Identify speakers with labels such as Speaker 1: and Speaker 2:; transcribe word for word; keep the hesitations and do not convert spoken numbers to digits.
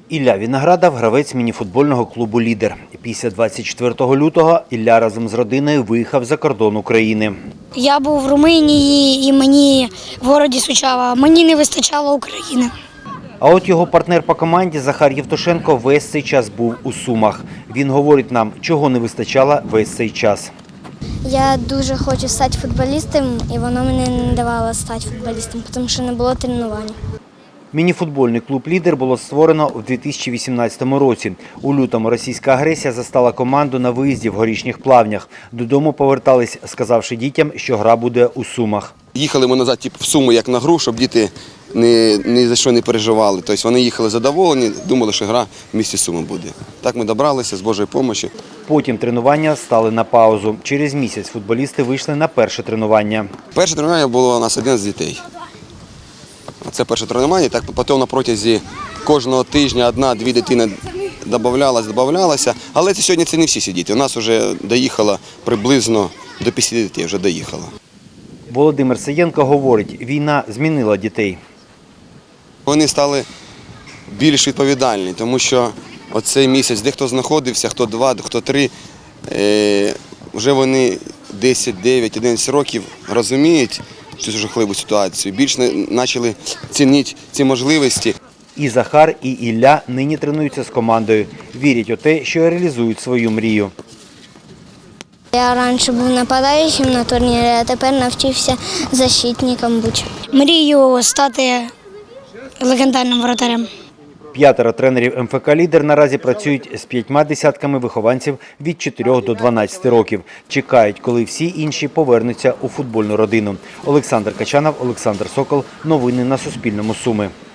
Speaker 1: Ілля Віноградов – гравець мініфутбольного клубу «Лідер». Після двадцять четвертого лютого Ілля разом з родиною виїхав за кордон України.
Speaker 2: Я був в Румунії і мені в місті Сучава, мені не вистачало України.
Speaker 1: А от його партнер по команді Захар Євтушенко весь цей час був у Сумах. Він говорить нам, чого не вистачало весь цей час.
Speaker 3: Я дуже хочу стати футболістом, і воно мені не давало стати футболістом, тому що не було тренувань.
Speaker 1: Мініфутбольний клуб «Лідер» було створено у дві тисячі вісімнадцятому році. У лютому російська агресія застала команду на виїзді в Горішніх Плавнях. Додому повертались, сказавши дітям, що гра буде у Сумах.
Speaker 4: Їхали ми назад типу, в Суми як на гру, щоб діти ні, ні за що не переживали. Тобто вони їхали задоволені, думали, що гра в місті Суми буде. Так ми добралися з Божою допомогою.
Speaker 1: Потім тренування стали на паузу. Через місяць футболісти вийшли на перше тренування.
Speaker 4: Перше тренування було у нас один з дітей. Це перше тренування, так потім на протязі кожного тижня одна-дві дитини додавалася, додавалася. Але це сьогодні це не всі ці діти. У нас вже доїхало приблизно до п'ятдесят дітей, вже доїхало.
Speaker 1: Володимир Саєнко говорить, війна змінила дітей.
Speaker 4: Вони стали більш відповідальні, тому що оцей місяць, де хто знаходився, хто два, хто три, вже вони десять, дев'ять, одинадцять років розуміють цю жахливу ситуацію, більше почали цінити ці можливості.
Speaker 1: І Захар, і Ілля нині тренуються з командою. Вірять у те, що реалізують свою мрію.
Speaker 3: Я раніше був нападаючим на турнірі, а тепер навчився защитником бути.
Speaker 2: Мрію стати легендарним воротарем.
Speaker 1: П'ятеро тренерів ем еф ка «Лідер» наразі працюють з п'ятьма десятками вихованців від чотирьох до дванадцяти років. Чекають, коли всі інші повернуться у футбольну родину. Олександр Качанов, Олександр Сокол. Новини на Суспільному. Суми.